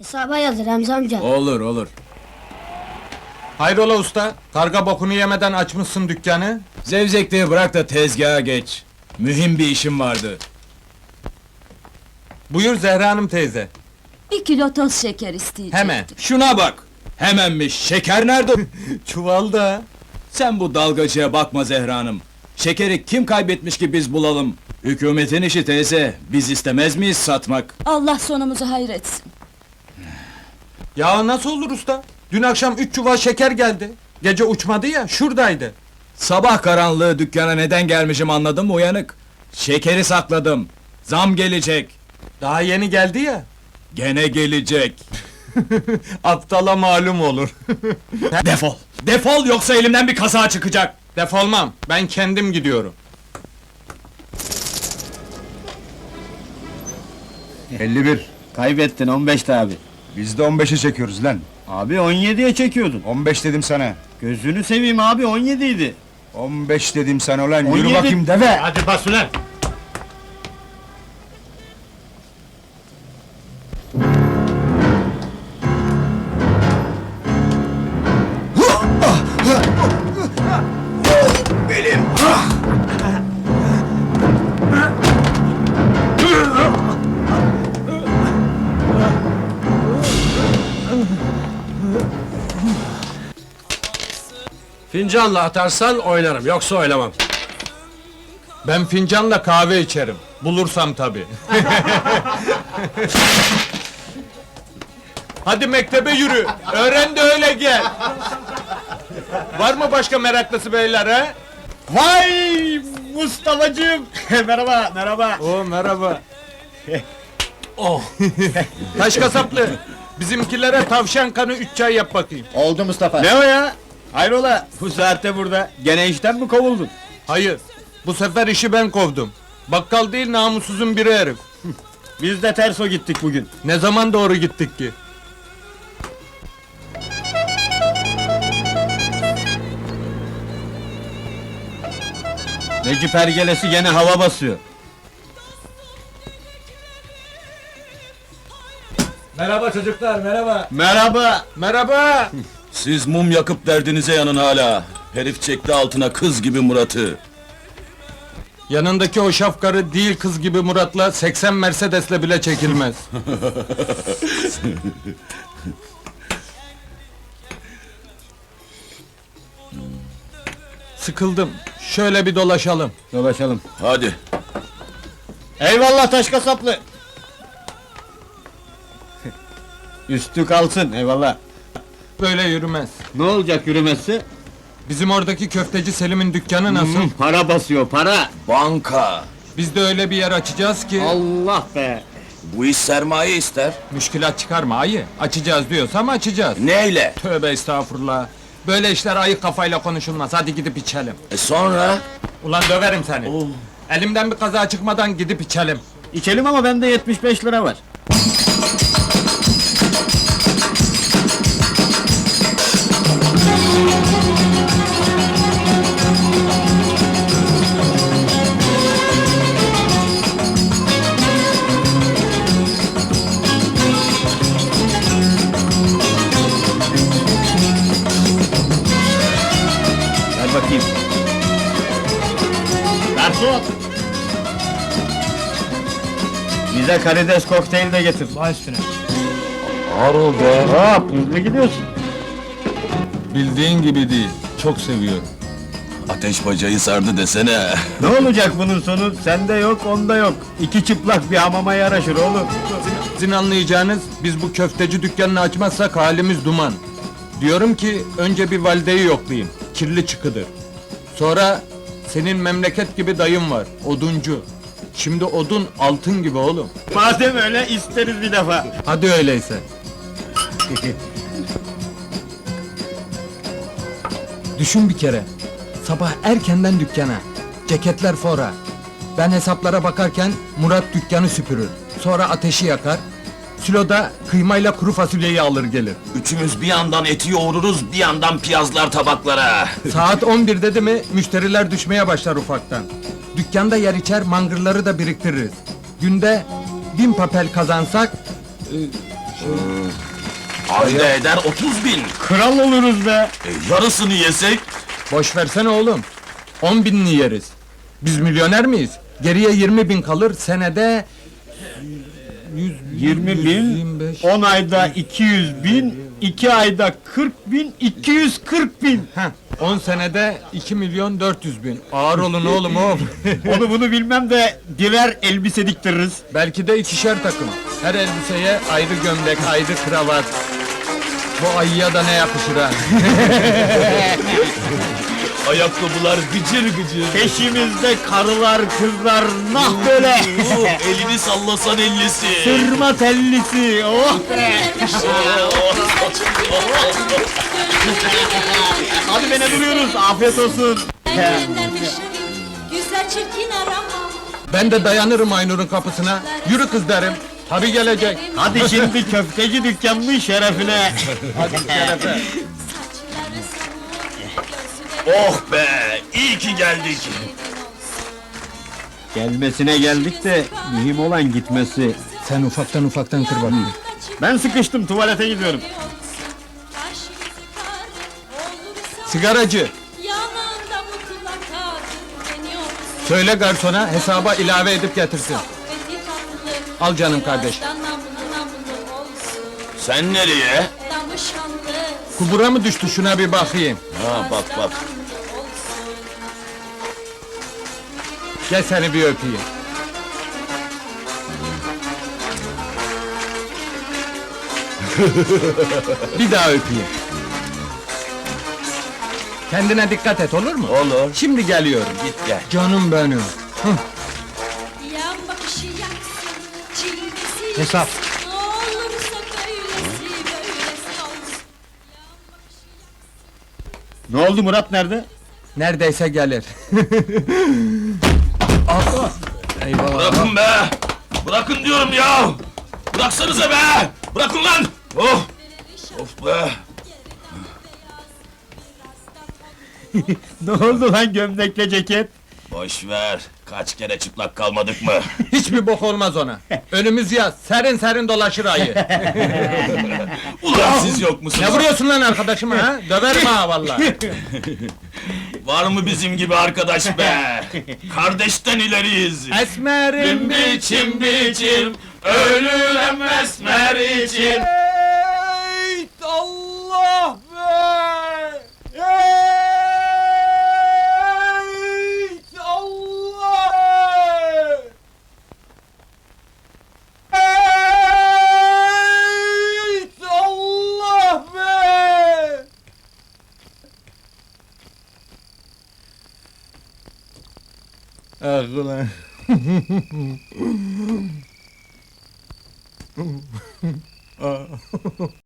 Hesaba yazır Remzi amca. Olur olur. Hayrola usta? Karga bokunu yemeden açmışsın dükkanı. Zevzekliği bırak da tezgaha geç. Mühim bir işim vardı. Buyur Zehra Hanım teyze. 1 kilo toz şeker isteyecektim. Hemen. Şuna bak! Hemenmiş, şeker nerede? Çuvalda. Sen bu dalgacıya bakma Zehra Hanım. Şekeri kim kaybetmiş ki biz bulalım? Hükümetin işi teyze, biz istemez miyiz satmak? Allah sonumuzu hayretsin. Ya nasıl olur usta? Dün akşam 3 çuval şeker geldi. Gece uçmadı ya, şuradaydı. Sabah karanlığı dükkana neden gelmişim anladın mı uyanık? Şekeri sakladım. Zam gelecek. Daha yeni geldi ya. Gene gelecek. Aptala malum olur. Defol! Defol yoksa elimden bir kaza çıkacak! Defolmam, ben kendim gidiyorum. 51. Kaybettin 15'ti abi. Biz de 15'e çekiyoruz lan. Abi 17'ye çekiyordun. 15 dedim sana. Gözünü seveyim abi 17 idi. 15 dedim sana ulan. Yürü 17. bakayım deve. Hadi bas ulan! Fincanla atarsan oynarım, yoksa oynamam. Ben fincanla kahve içerim. Bulursam tabii. Hadi mektebe yürü. Öğren de öyle gel. Var mı başka meraklısı beyler ha? Vay Mustafa'cığım. merhaba merhaba. Oo merhaba. Oh. Taş kasaplı. Bizimkilere tavşan kanı 3 çay yap bakayım. Oldu Mustafa. Ne o ya? Hayrola bu saatte burada. Gene işten mi kovuldun? Hayır. Bu sefer işi ben kovdum. Bakkal değil namussuzun biri herif. Biz de terso gittik bugün. Ne zaman doğru gittik ki? Necip Ergelesi gene hava basıyor. Merhaba çocuklar, merhaba! Merhaba. Merhaba. Siz mum yakıp derdinize yanın hala. Herif çekti altına kız gibi Murat'ı. Yanındaki o şafkarı değil kız gibi Murat'la 80 Mercedes'le bile çekilmez. Sıkıldım. Şöyle bir dolaşalım. Dolaşalım. Hadi. Eyvallah taş kasaplı. Üstü kalsın eyvallah. Böyle yürümez. Ne olacak yürümesi? Bizim oradaki köfteci Selim'in dükkanı nasıl? Para basıyor para. Banka. Biz de öyle bir yer açacağız ki... Allah be. Bu iş sermaye ister. Müşkilat çıkarma ayı. Açacağız diyorsam açacağız. Neyle? Tövbe estağfurullah. Böyle işler ayık kafayla konuşulmaz. Hadi gidip içelim. Sonra? Ulan döverim seni. Elimden bir kaza çıkmadan gidip içelim. İçelim ama bende 75 lira var. Ver bakayım. Garson! Bize karides kokteyl de getir. Baş üstüne. Hop, hızlı gidiyorsun. Bildiğin gibi değil. Çok seviyorum. Ateş bacayı sardı desene. Ne olacak bunun sonu? Sende yok, onda yok. İki çıplak bir hamama yaraşır oğlum. Sizin anlayacağınız, biz bu köfteci dükkanını açmazsak halimiz duman. Diyorum ki, önce bir valideyi yoklayayım. Kirli çıkıdır. Sonra, senin memleket gibi dayın var, oduncu. Şimdi odun altın gibi oğlum. Madem öyle isteriz bir defa. Hadi öyleyse. Düşün bir kere. Sabah erkenden dükkana. Ceketler fora. Ben hesaplara bakarken Murat dükkanı süpürür. Sonra ateşi yakar. Siloda kıymayla kuru fasulyeyi alır gelir. Üçümüz bir yandan eti yoğururuz, bir yandan piyazlar tabaklara. Saat 11 dedi mi müşteriler düşmeye başlar ufaktan. Dükkanda yer içer mangırları da biriktiririz. Günde 1000 papel kazansak Ayda eder 30.000. Kral oluruz be. Yarısını yesek? Boş versene oğlum. 10.000'ni yeriz. Biz milyoner miyiz? Geriye 20.000 kalır, senede... 20 bin, 125. 10 ayda 200 bin, 2 ayda 40 bin, 240 bin. Heh, 10 senede 2.400.000. Ağır olun oğlum. Onu bunu bilmem de birer elbise diktiririz. Belki de ikişer takım. Her elbiseye ayrı gömlek, ayrı kravat. Bu ayıya da ne yakışır ha? Ayakkabılar gıcır gıcır. Peşimizde karılar, kızlar, nah böyle. Elini sallasan ellisi. Sırma tellisi, oh be. Hadi be ne duruyoruz, afiyet olsun. Güzel çirkin arama. Ben de dayanırım Aynur'un kapısına. Yürü kız derim. Tabii gelecek. Hadi şimdi köfteci dükkanının şerefine. Hadi şerefe. Saçları Oh be, iyi ki geldik. Gelmesine geldik de mühim olan gitmesi. Sen ufaktan kır bakayım. Ben sıkıştım, tuvalete gidiyorum. Sigaracı, Yanında mutlaka dinleniyor. söyle garsona hesaba ilave edip getirsin. Sohbeti tatlı. Al canım kardeş. Namlı namlı olsun. Sen nereye? Danışanlı. Kubura mı düştü şuna bir bakayım. Ha bak bak. Gel seni bir öpeyim. Bir daha öpeyim. Kendine dikkat et olur mu? Olur. Şimdi geliyorum. Git gel. Canım benim. Yan bakışı yaksın. Çilgisi Hesap. yaksın. Ne olursa böylesi olsun. Ne oldu, Murat nerede? Neredeyse gelir. Ah! Eyvallah. Bırakın be! Bırakın diyorum ya! Bıraksanıza be! Bırakın lan! Oh! Of be! Ne oldu lan gömlekle ceket? Boş ver! Kaç kere çıplak kalmadık mı? Hiçbir bok olmaz ona. Önümüz yaz, serin serin dolaşır ayı. Ulan siz yok musunuz? Ne vuruyorsun lan arkadaşıma ha? Döverim ha vallahi. Var mı bizim gibi arkadaş be? Kardeşten ileriyiz! Esmerim biçim biçim, ölürüm esmer için! Ey Allah be! Ey Allah! Ey Allah be! Ah ulan.